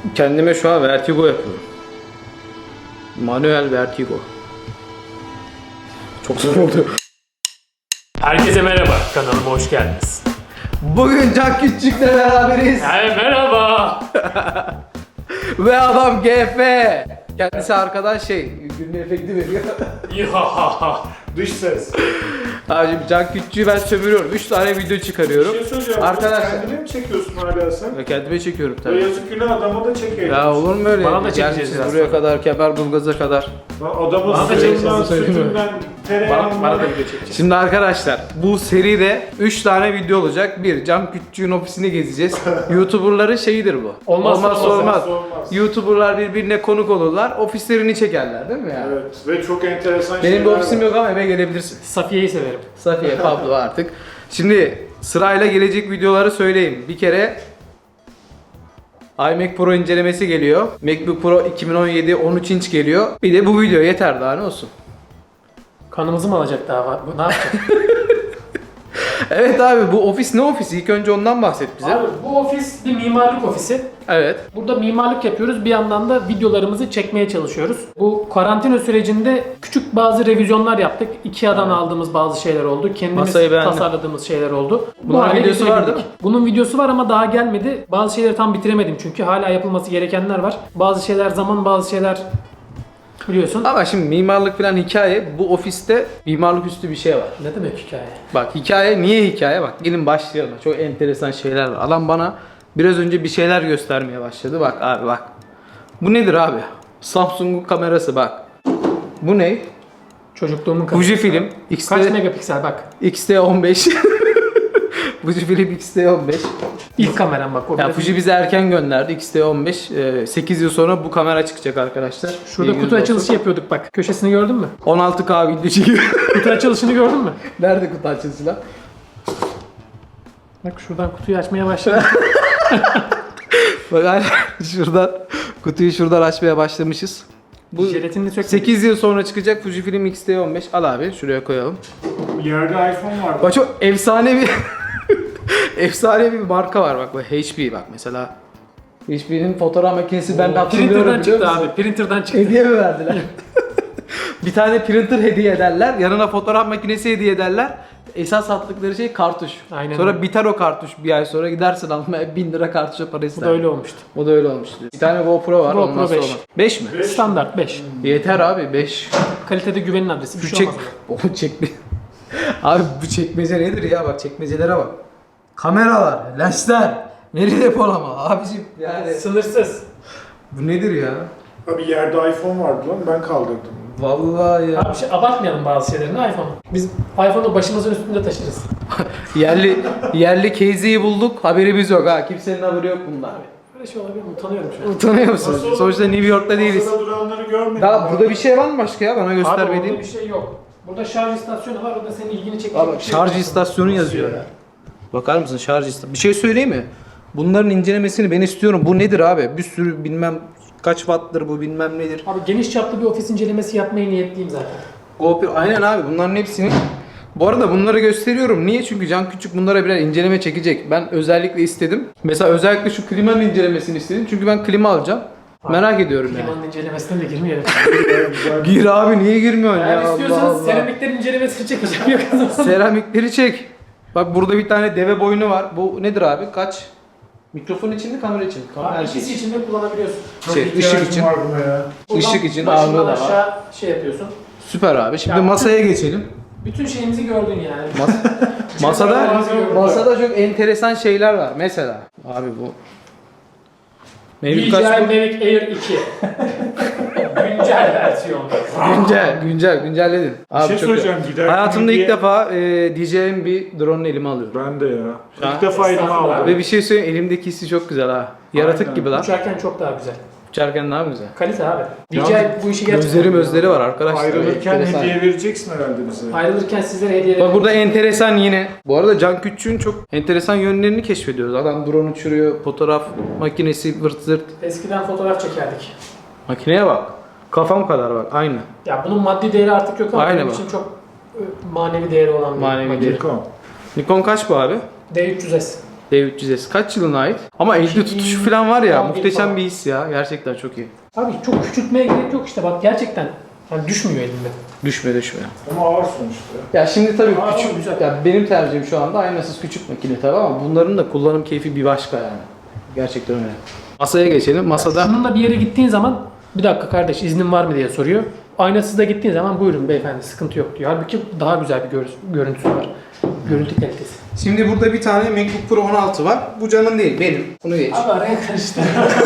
kendime şu an vertigo yapıyorum. Manuel vertigo. Çok zor oldu. Herkese merhaba, kanalıma hoş geldiniz. Bugün Can Küçük'le beraberiz. Merhaba. Ve adam GF. Kendisi arkadan günlük efekti veriyor. Dış ses. Abicim Can Küçük'ü ben sömürüyorum. 3 tane video çıkarıyorum. Bir şey söyleyeceğim. Arkadaşlar. Kendine mi çekiyorsun hala sen? Ve kendime çekiyorum Ya tabii. yazık günah adama da çekelim. Ya olur mu öyle? Bana da çekeceğiz Gelmişiz biraz buraya sonra. kadar, Kemerburgaz'a kadar. Adamın Bana da suyundan, çekeceğiz, sütünden, tereyağından. Bana da video çekeceğiz. Şimdi arkadaşlar bu seride 3 tane video olacak. Bir, Can Küçük'ün ofisini gezeceğiz. YouTuber'ların şeyidir bu. Olmazsa olmaz. olmaz. YouTuber'lar birbirine konuk olurlar. Ofislerini çekerler değil mi yani? Evet ve çok enteresan Benim şeyler bir ofisim var. yok ama eve gelebilirsin. Safiye'yi severim. Safiye, Pablo artık. Şimdi sırayla gelecek videoları söyleyeyim. Bir kere iMac Pro incelemesi geliyor. MacBook Pro 2017 13 inç geliyor. Bir de bu video yeter, daha ne olsun. Kanımızı mı alacak daha? Ne yapacak? Evet abi, bu ofis ne ofisi? İlk önce ondan bahset bize. Abi, bu ofis bir mimarlık ofisi. Evet. Burada mimarlık yapıyoruz. Bir yandan da videolarımızı çekmeye çalışıyoruz. Bu karantina sürecinde küçük bazı revizyonlar yaptık. IKEA'dan aldığımız bazı şeyler oldu. Kendimiz Masayı beğendim. tasarladığımız şeyler oldu. Bunun hale videosu var getirebildik. değil mi? Bunun videosu var ama daha gelmedi. Bazı şeyleri tam bitiremedim çünkü hala yapılması gerekenler var. Bazı şeyler zaman, bazı şeyler biliyorsun. Ama şimdi mimarlık falan hikaye. Bu ofiste mimarlık üstü bir şey var. Ne demek hikaye? Bak hikaye, niye hikaye? Bak gelin başlayalım. Çok enteresan şeyler var. Adam bana biraz önce bir şeyler göstermeye başladı. Bak abi bak. Bu nedir abi? Samsung'un kamerası bak. Bu ne? Çocukluğumun kamerası. Fujifilm Kaç megapiksel bak. X-T15. Fujifilm X-T15. İlk kameram bak. O Ya biraz- Fuji bize erken gönderdi X-T15. 8 yıl sonra bu kamera çıkacak arkadaşlar. Şurada İlginiz kutu olsun. açılışı yapıyorduk bak. Köşesini gördün mü? 16K video çekiyor. Kutu açılışını gördün mü? Nerede kutu açılışı lan? Bak şuradan kutuyu açmaya başladım. Bak hani şuradan kutuyu şuradan açmaya başlamışız. Bu Jelatinini sökmedim. 8 yıl sonra çıkacak Fujifilm X-T15. Al abi şuraya koyalım. Yerde iPhone var. Bak çok efsane bir efsane bir marka var bak. Bu HP bak mesela. HP'nin fotoğraf makinesi ben de hatırlıyorum, Printer'dan biliyor çıktı musun? abi. Printer'dan çıktı. Hediye mi verdiler? Bir tane printer hediye ederler. Yanına fotoğraf makinesi hediye ederler. Esas sattıkları şey kartuş. Aynen Sonra öyle. biter o kartuş, bir ay sonra gidersin almaya 1000 lira kartuşa para Bu ister. da öyle olmuştu. O da öyle olmuştu. Bir tane GoPro var. GoPro olmazsa 5. olmaz. 5 mi? Standart 5. Yeter abi 5. Kalitede güvenin adresi. Bir Şu şey çek... olmaz. O çekme... Abi bu çekmece nedir ya, bak çekmecelere bak. Kameralar, lensler, veri depolama abicim yani. Sınırsız. Bu nedir ya? Abi yerde iPhone vardı lan ben kaldırdım. Vallahi ya. Abi abartmayalım bazı şeylerini iPhone'u. Biz iPhone'u başımızın üstünde taşırız. yerli case'i bulduk, haberimiz yok ha. Kimsenin haberi yok bundan. Böyle şey olabilir mi? Utanıyorum şu an. Utanıyor musun? Nasıl olur? Sonuçta New York'ta değiliz. Masada duranları görmedim. Daha burada bir şey var mı başka ya, bana Abi göstermediğin? orada bir şey yok. Burada şarj istasyonu var. O da senin ilgini çekecek. Abi bir şey şarj yok. istasyonu yazıyor ya. Bakar mısın şarj istasyonu? Bir şey söyleyeyim mi? Bunların incelemesini ben istiyorum. Bu nedir abi? Bir sürü bilmem kaç watt'tır bu, bilmem nedir. Abi geniş çaplı bir ofis incelemesi yapmaya niyetliyim zaten. GoPro aynen abi, bunların hepsini. Bu arada bunları gösteriyorum. Niye? Çünkü Can Küçük bunlara birer inceleme çekecek. Ben özellikle istedim. Mesela özellikle şu klimanın incelemesini istedim. Çünkü ben klima alacağım. Merak ediyorum yani. Klimanın incelemesine de girmeyelim. Gir abi, niye girmiyorsun ya? Eğer Allah istiyorsanız Allah. seramiklerin incelemesini çekeceğim yakın. Seramikleri çek. Bak burada bir tane deve boynu var. Bu nedir abi? Kaç? Mikrofon için mi, kamera için mi? Kamera Abi için. ikisi için de kullanabiliyorsun. Çok Şey, ihtiyacım ışık için. var buna ya. Işık için başından ağırlığı da var. aşağı şey yapıyorsun. Süper abi. Şimdi Ya. masaya geçelim. Bütün şeyimizi gördün yani. Masada Çok masada çok enteresan şeyler var. Mesela abi bu Mavic kaç DJI bu? Mavic Air 2. Güncel versiyon. Güncelledin. Abi şey çok söyleyeceğim, iyi. giderken Hayatımda ilk diye- defa DJI'nin bir drone'unu elime alıyorum. Ben de ya. Ha? İlk defa elime Estağfurullah. aldım. Ve bir şey söyleyeyim, elimdeki hissi çok güzel ha. Yaratık Aynen. gibi lan. Uçarken çok daha güzel. Uçarken daha güzel. Kalite abi. Yalnız DJI bu işi gerçekten... Gözleri var arkadaşlar. Ayrılırken Enteresan. hediye vereceksin herhalde bize. Ayrılırken sizlere hediye Bak burada enteresan yine. Bu arada Can Küçük'ün çok enteresan yönlerini keşfediyoruz. Adam drone uçuruyor, fotoğraf makinesi vırt zırt. Eskiden fotoğraf çekerdik. Makineye bak. Kafam kadar bak, aynı. Ya bunun maddi değeri artık yok ama Aynen benim bak. için çok manevi değeri olan bir Manevi makine. değeri. Nikon. Nikon kaç bu abi? D300S. D300S kaç yılına ait? Ama elde tutuşu falan var ya 2011 muhteşem falan. bir his ya. Gerçekten çok iyi. Abi çok küçültmeye gerek yok işte bak gerçekten. Yani düşmüyor elinde. Düşme. Ama ağır sonuçta. Ya şimdi tabii Aa, küçük, güzel. ya benim tercihim şu anda aynasız küçük makine tabii ama bunların da kullanım keyfi bir başka yani. Gerçekten öyle. Masaya geçelim. Masada Şununla bir yere gittiğin zaman bir dakika kardeş iznin var mı diye soruyor. Aynasız da gittiğin zaman buyurun beyefendi sıkıntı yok diyor. Halbuki daha güzel bir görüntüsü var. Görüntü kalitesi. şimdi burada bir tane MacBook Pro 16 var. Bu canın değil, benim. Bunu geç. Abi araya karıştı.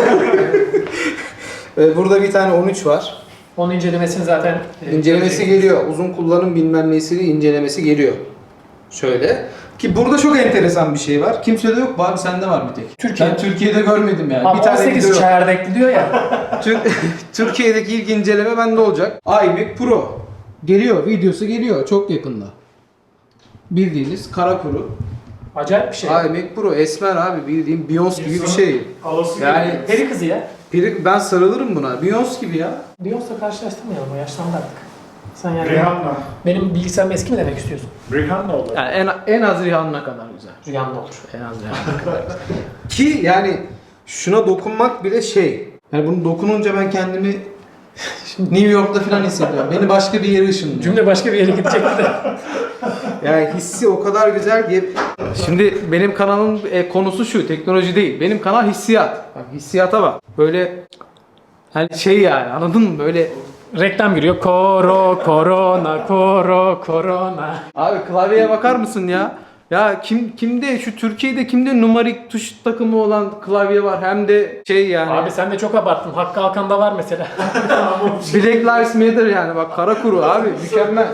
Burada bir tane 13 var. Onun incelemesini zaten İncelemesi geliyor. Uzun kullanım bilmem nesini incelemesi geliyor. Şöyle. Ki burada çok enteresan bir şey var. Kimsede yok. Abi sende var bir tek. Türkiye. Ben Türkiye'de görmedim yani. Abi bir tane 18 video. çeyrekli diyor ya. Türkiye'deki ilk inceleme bende olacak. iMac Pro. Geliyor. Videosu geliyor. Çok yakında. Bildiğiniz kara kuru. Acayip bir şey. iMac Pro. Esmer abi. Bildiğin Beyoncé gibi bir şey. Alası Yani- geliyor. Peri kızı ya. Ben sarılırım buna. Beyoncé gibi ya. Beyoncé'la karşılaştırmayalım o yaşlandı artık. Sen yani Rihanna. benim bilgisayarım eski mi demek istiyorsun? Rihanna olur. Yani en az Rihanna'na kadar güzel. Rüyamda olur. En az Rihanna'na kadar güzel. Ki yani şuna dokunmak bile şey. Yani bunu dokununca ben kendimi New York'ta falan hissediyorum. Beni başka bir yere ışınlıyor. Cümle başka bir yere gidecekti de. Yani hissi o kadar güzel ki. Şimdi benim kanalın konusu şu, teknoloji değil. Benim kanal hissiyat. Bak hissiyata bak. Böyle hani şey yani anladın mı? Böyle Reklam giriyor. Korona. abi klavyeye bakar mısın ya? Ya kimde şu Türkiye'de kimde numarik tuş takımı olan klavye var hem de şey yani. Abi sen de çok abarttın. Hakkı Alkan'da var mesela. Black Lives Matter yani bak kara kuru abi mükemmel.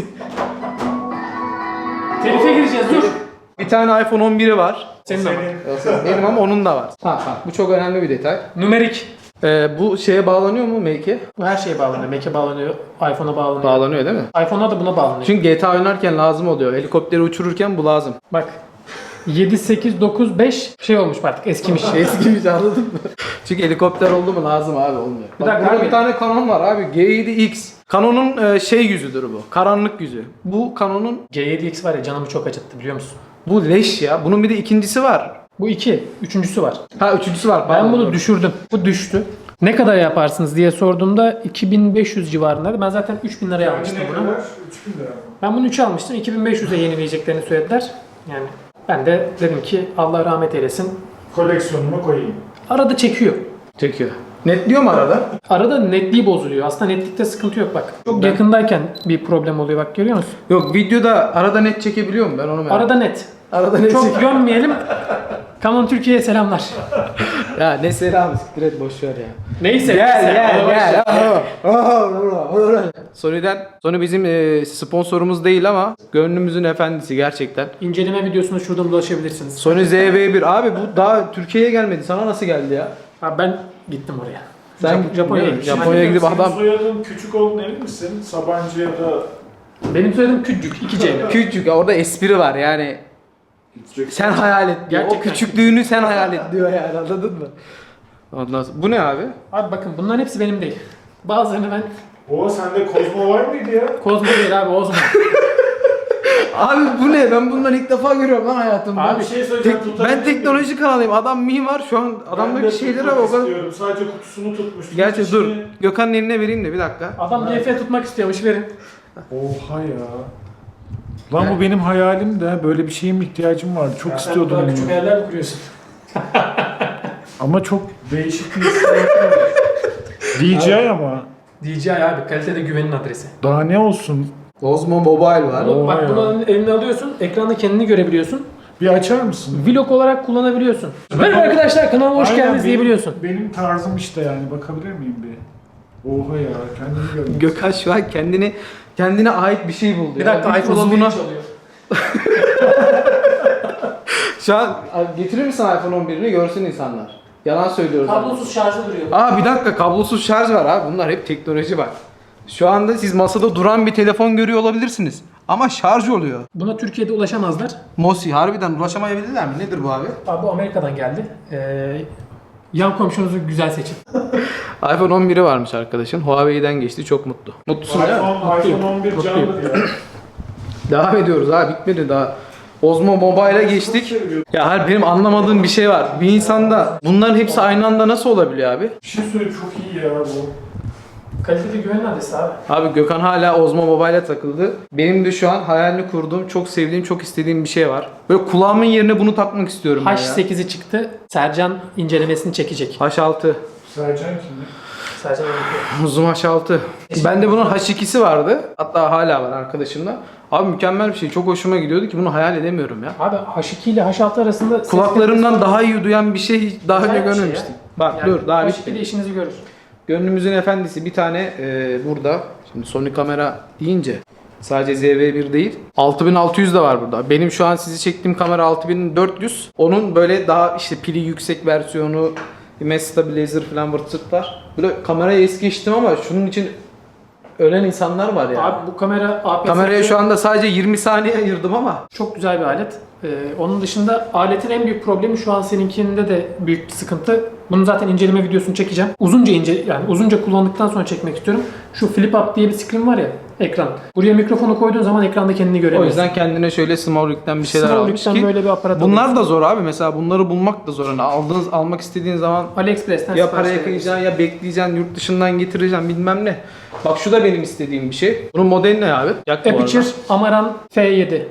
Telife gireceğiz dur. Bir tane iPhone 11'i var. Senin ama. Benim ama onun da var. Ha, bu çok önemli bir detay. Numerik. Bu şeye bağlanıyor mu Make'e? Bu her şeye bağlanıyor. Mac'e bağlanıyor. iPhone'a bağlanıyor. Bağlanıyor değil mi? iPhone'a da buna bağlanıyor. Çünkü GTA oynarken lazım oluyor. Helikopteri uçururken bu lazım. Bak 7, 8, 9, 5 şey olmuş artık eskimiş. Eskimiş anladın mı? Çünkü helikopter oldu mu lazım abi olmuyor. Bir Bak, dakika burada abi. bir tane Canon var abi. G7X. Canon'un şey yüzüdür bu. Karanlık yüzü. Bu Canon'un G7X var ya canımı çok acıttı biliyor musun? bu leş ya. Bunun bir de ikincisi var. Bu 2. Üçüncüsü var. Ha üçüncüsü var. Ben pardon. bunu düşürdüm. Bu düştü. Ne kadar yaparsınız diye sorduğumda 2500 civarındaydı. Ben zaten 3000 liraya almıştım Ne bunu. kadar? 3000 lira mı? Ben bunu 3'e almıştım. 2500'e yenileyeceklerini söylediler. Yani ben de dedim ki Allah rahmet eylesin. Koleksiyonuma koyayım. Arada çekiyor. Çekiyor. Netliyor mu arada? Arada netliği bozuluyor. Aslında netlikte sıkıntı yok bak. Çok yakındayken bir problem oluyor bak görüyor musun? Yok videoda arada net çekebiliyor mu ben onu merak Arada net. Arada net Çok çek- gömmeyelim. Canon Türkiye'ye selamlar. Ya ne selam siktir et boş ver ya. Neyse. Gel neyse. gel Ona gel. başla. Sony bizim sponsorumuz değil ama gönlümüzün efendisi gerçekten. İnceleme videosunu şuradan ulaşabilirsiniz. Sony ZV-1 abi bu daha Türkiye'ye gelmedi. Sana nasıl geldi ya? Abi ben gittim oraya. Sen Japonya'ya ne? gittim. Japonya'ya gidip Senin adam soyadın küçük olduğunu emin misin? Sabancı ya da... Benim söylediğim küçük 2 C'yle. küçük ya orada espri var yani. Sen hayal et diyor. O Gerçekten. küçüklüğünü sen hayal et diyor yani anladın mı? Ondan sonra, bu ne abi? Abi bakın bunların hepsi benim değil. Bazılarını ben O sende Kozmo var mıydı ya? Kozmo değil abi Ozmo. Abi bu ne? Ben bunları ilk defa görüyorum lan hayatımda. Abi Bir şey söyleyeceğim. Ben teknoloji kanalıyım. Adam mimar şu an adamdaki şeylere bak. o kadar- istiyorum. Sadece kutusunu tutmuş. Gerçi dur. Gökhan'ın eline vereyim de bir dakika. Adam GF tutmak istiyormuş verin. Oha ya. Lan bu benim hayalim de böyle bir şeyin ihtiyacım vardı. Çok istiyordum Sen küçük bunu. hayaller mi kuruyorsun? Ama çok değişik bir DJI ama. DJI abi kalitede güvenin adresi. Daha ne olsun? Osmo Mobile var. Bunu, bak ya. bunu eline alıyorsun, ekranda kendini görebiliyorsun. Bir açar mısın? Vlog olarak kullanabiliyorsun. Merhaba arkadaşlar kanalıma hoş Aynen, geldiniz diyebiliyorsun. Benim tarzım işte yani. Bakabilir miyim bir? Oha ya. Kendimi görmek. Gökhan şu an kendine ait bir şey buldu. Bir ya. dakika iPhone uzvuna- 11 çalıyor. Şu an getirir misin iPhone 11'ini görsün insanlar. Yalan söylüyoruz. Kablosuz şarjı duruyor. Aa bir dakika kablosuz şarj var abi. Bunlar hep teknoloji bak. Şu anda siz masada duran bir telefon görüyor olabilirsiniz. Ama şarj oluyor. Buna Türkiye'de ulaşamazlar. Mosi harbiden ulaşamayabilirler mi? Nedir bu abi? Abi bu Amerika'dan geldi. Yan komşunuzu güzel seçin. iPhone 11'i varmış arkadaşın. Huawei'den geçti. Çok mutlu. Mutlusun değil mi? iPhone 11 Mutluyum. candır ya. Devam ediyoruz abi. Bitmedi daha. Osmo Mobile'a geçtik. Ya hayır, benim anlamadığım bir şey var. Bir insanda bunların hepsi aynı anda nasıl olabiliyor abi? Bir şey söyleyeyim, çok iyi ya bu. Kaliteli güven adresi abi. Abi Gökhan hala Osmo Mobile'a takıldı. Benim de şu an hayalini kurduğum, çok sevdiğim, çok istediğim bir şey var. Böyle kulağımın yerine bunu takmak istiyorum ben ya. H8'i çıktı. Sercan incelemesini çekecek. H6. Sercan kimdi? Sercan öyle. Zoom H6. Bende bunun H2'si vardı. Hatta hala var arkadaşımda. Abi mükemmel bir şey. Çok hoşuma gidiyordu ki bunu hayal edemiyorum ya. Abi H2 ile H6 arasında ses Kulaklarımdan kalitesi daha iyi duyan bir şey hiç daha önce güzel bir şey görmemiştim. ya. Bak Yani dur daha H2 bitmedi. ile işinizi görür. Gönlümüzün efendisi bir tane burada. Şimdi Sony kamera deyince sadece ZV-1 değil. 6600 de var burada. Benim şu an sizi çektiğim kamera 6400. Onun böyle daha işte pili yüksek versiyonu, image stabilizer falan vırtıklar. Böyle kameraya es geçtim ama şunun için ölen insanlar var ya. Abi bu kamera APS Kameraya şu anda sadece 20 saniye ayırdım ama çok güzel bir alet. Onun dışında aletin en büyük problemi şu an seninkinde de büyük bir sıkıntı. Bunun zaten inceleme videosunu çekeceğim. Uzunca kullandıktan sonra çekmek istiyorum. Şu flip up diye bir screen var ya, ekran. Buraya mikrofonu koyduğun zaman ekranda kendini o göremiyorsun. yüzden kendine şöyle Smallrig'den bir şeyler almış Smallrig'den ki böyle bir aparat bunlar alıyorsun. da zor abi. Mesela bunları bulmak da zor. Yani almak istediğin zaman AliExpress'ten ya sipariş paraya verebilirsin. kıyacaksın ya bekleyeceksin, yurt dışından getireceksin bilmem ne. Bak şu da benim istediğim bir şey. Bunun modeli ne abi? Yak bu arada. Aperture Amaran F7.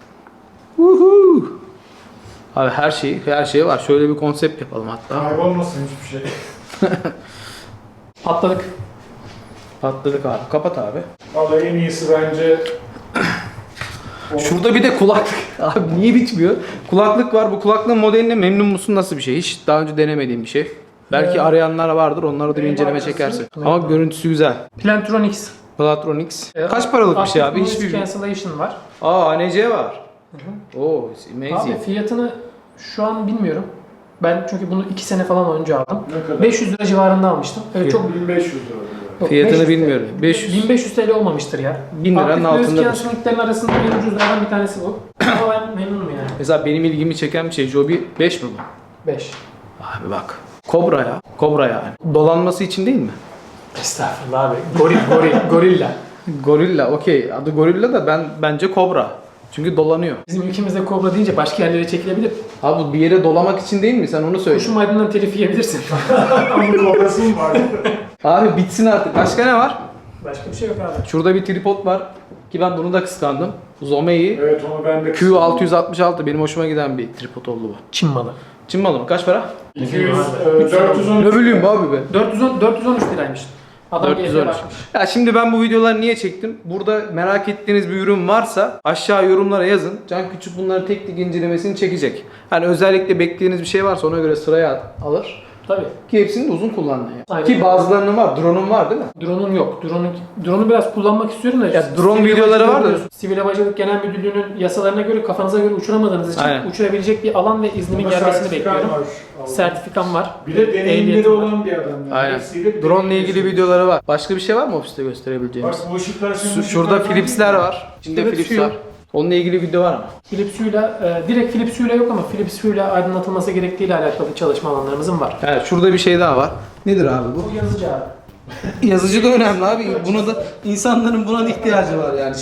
Woohoo! Abi her şey var. Şöyle bir konsept yapalım hatta. Kaybolmasın hiçbir şey. Patladık. Patladık abi. Kapat abi. Vallahi en iyisi bence Şurada bir de kulaklık. Abi niye bitmiyor? Kulaklık var. Bu kulaklığın modeline memnun musun? Nasıl bir şey? Hiç daha önce denemediğim bir şey. Belki arayanlar vardır. Onlara da bir Benim inceleme markası- çekersin. Ama görüntüsü güzel. Plantronics. Platronics. Kaç paralık bir şey abi? Active Hiçbir... Noise Cancellation var. Aa ANC var. Oo, amazing. Abi fiyatını şu an bilmiyorum. Ben çünkü bunu 2 sene falan önce aldım. ne kadar? 500 lira civarında almıştım. Evet, çok 1500 lira. yok, Fiyatını 500 bilmiyorum. 500. 1500 TL olmamıştır ya. 1000 liranın Active Noise altındadır. Cancelling'lerin arasında en ucuzlardan bir tanesi bu. Ama ben memnunum yani. Mesela benim ilgimi çeken bir şey. Joby 5 mi bu? 5. Abi bak. Kobra ya. Kobra yani. Dolanması için değil mi? Estağfurullah abi. Gorilla. Gorilla. Okey. Adı Gorilla da bence Kobra. Çünkü dolanıyor. Bizim ülkemizde kobra deyince başka yerlere çekilebilir. Abi bu bir yere dolamak için değil mi? Sen onu söyle. Kuşum aydından telif yiyebilirsin. Ama kobrası mı var? Abi bitsin artık. Başka ne var? Başka bir şey yok abi. Şurada bir tripod var. Ki ben bunu da kıskandım. Zomei Evet, onu ben de Q666 benim hoşuma giden bir tripod oldu bu. Çin malı. Çin malı mı? Kaç para? 200, 410. Ne bileyim abi be. 413 liraymış. Adam 413. gezmeye başlamış. Ya şimdi ben bu videoları niye çektim? Burada merak ettiğiniz bir ürün varsa aşağı yorumlara yazın. Can Küçük bunları tek tek incelemesini çekecek. Hani özellikle beklediğiniz bir şey varsa ona göre sıraya alır. Tabii. Ki hepsini de uzun kullanın ya. Aynen. Ki bazılarının var. Drone'un var değil mi? Drone'un yok. Drone'u biraz kullanmak istiyorum da. Ya drone Sivil videoları Havacılık var da- biliyorsun. Sivil Havacılık Genel Müdürlüğü'nün yasalarına göre kafanıza göre uçuramadığınız için Aynen. uçurabilecek bir alan ve iznimin gelmesini bekliyorum. Sertifikam var. Bir de deneyimleri Ehliyetim var. olan bir adam. Yani. Aynen. Hepsiyle bir Drone ile deneyimlisi. ilgili videoları var. Başka bir şey var mı ofiste gösterebileceğimiz? Bak bu ışıklar senin Şurada ışıklardan Philips'ler değil mi? var. İçinde Philips Philips Hue. var. Onunla ilgili video var ama. Philips Hue'la, direkt Philips Hue'la yok ama Philips Hue'la aydınlatılması gerektiğiyle alakalı çalışma alanlarımızın var. Evet, şurada bir şey daha var. Nedir abi bu? Bu yazıcı abi. Yazıcı da önemli abi. Buna da insanların buna da ihtiyacı var yani.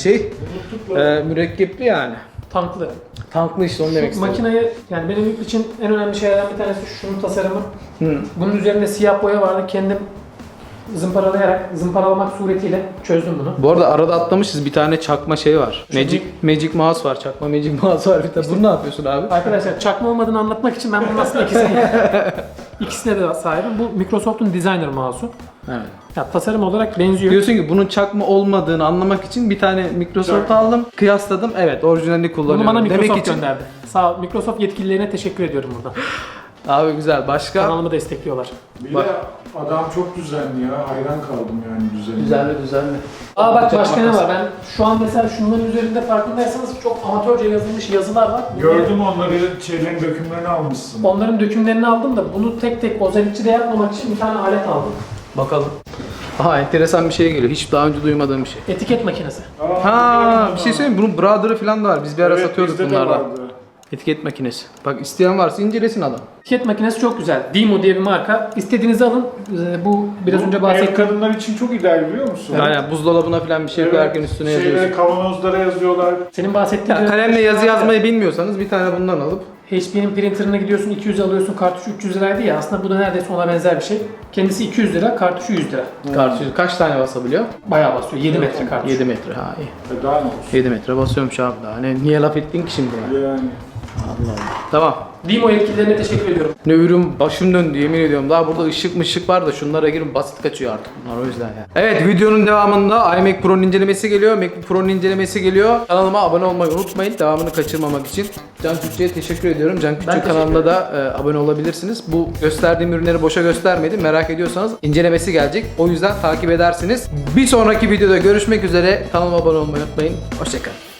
Mürekkepli yani. Tanklı. Tanklı işte onu demek Şu istedim. makineyi, yani benim için en önemli şeylerden bir tanesi şunun tasarımı. Hı. Bunun üzerinde siyah boya vardı. Kendim zımparalamak suretiyle çözdüm bunu. Bu arada arada atlamışız, bir tane çakma şey var. Magic Mouse var. Çakma Magic Mouse var bir tane. Bunu ne yapıyorsun abi? Arkadaşlar çakma olmadığını anlatmak için ben bunun aslında ikisine de sahibim. Bu Microsoft'un Designer mouse'u. Evet. Ya tasarım olarak benziyor. Diyorsun ki bunun çakma olmadığını anlamak için bir tane Microsoft aldım, kıyasladım. Evet, orijinalini kullanıyorum. Bunu bana Microsoft Demek için gönderdi. Sağ ol. Microsoft yetkililerine teşekkür ediyorum buradan. abi güzel. Başka? Kanalımı destekliyorlar. Bir Bak. de adam çok düzenli ya. Hayran kaldım yani düzenli. Düzenli. Aa bak başka ne var? Ben şu an mesela şunların üzerinde farkındaysanız çok amatörce yazılmış yazılar var. Gördüm onları, şeylerin dökümlerini almışsın. Onların dökümlerini aldım da bunu tek tek özellikçi de yapmamak için bir tane alet aldım. Bakalım. Aha, enteresan bir şey geliyor. Hiç daha önce duymadığım bir şey. Etiket makinesi. Ha, bir şey söyleyeyim mi? Bunun Brother'ı falan da var. Biz bir ara satıyorduk bizde de bunlardan. vardı. Etiket makinesi. Bak isteyen varsa incelesin adam. Tiket makinesi çok güzel. Dimo diye bir marka. İstediğinizi alın. Bu biraz önce Ev bahsettiğim. kadınlar için çok ideal biliyor musun? Yani buzdolabına falan bir şey koyarken üstüne yazıyorsun. Şeylere, kavanozlara yazıyorlar. Senin bahsettiğin Ya kalemle yazı yazmayı bilmiyorsanız bir tane bundan alıp HP'nin printerına gidiyorsun 200 alıyorsun, kartuşu 300 liraydı ya, aslında bu da neredeyse ona benzer bir şey. Kendisi 200 lira, kartuşu 100 lira. kartuşu kaç tane basabiliyor? Bayağı basıyor. 7 metre kartuş. 7 metre ha iyi. Daha ne olsun? 7 metre basıyormuş abi daha. Niye laf ettin ki şimdi buna? Yani. Allah Allah. Tamam. Dimo yetkililerine teşekkür ediyorum. Ne ürün başım döndü yemin ediyorum. Daha burada ışık var da şunlara girin basit kaçıyor artık bunlar o yüzden ya. Evet videonun devamında iMac Pro'nun incelemesi geliyor. MacBook Pro'nun incelemesi geliyor. Kanalıma abone olmayı unutmayın. Devamını kaçırmamak için. Can Küçük'e teşekkür ediyorum. Can Küçük teşekkür kanalına da abone olabilirsiniz. Bu gösterdiğim ürünleri boşa göstermedim. Merak ediyorsanız incelemesi gelecek. O yüzden takip edersiniz. Bir sonraki videoda görüşmek üzere. Kanalıma abone olmayı unutmayın. Hoşçakalın.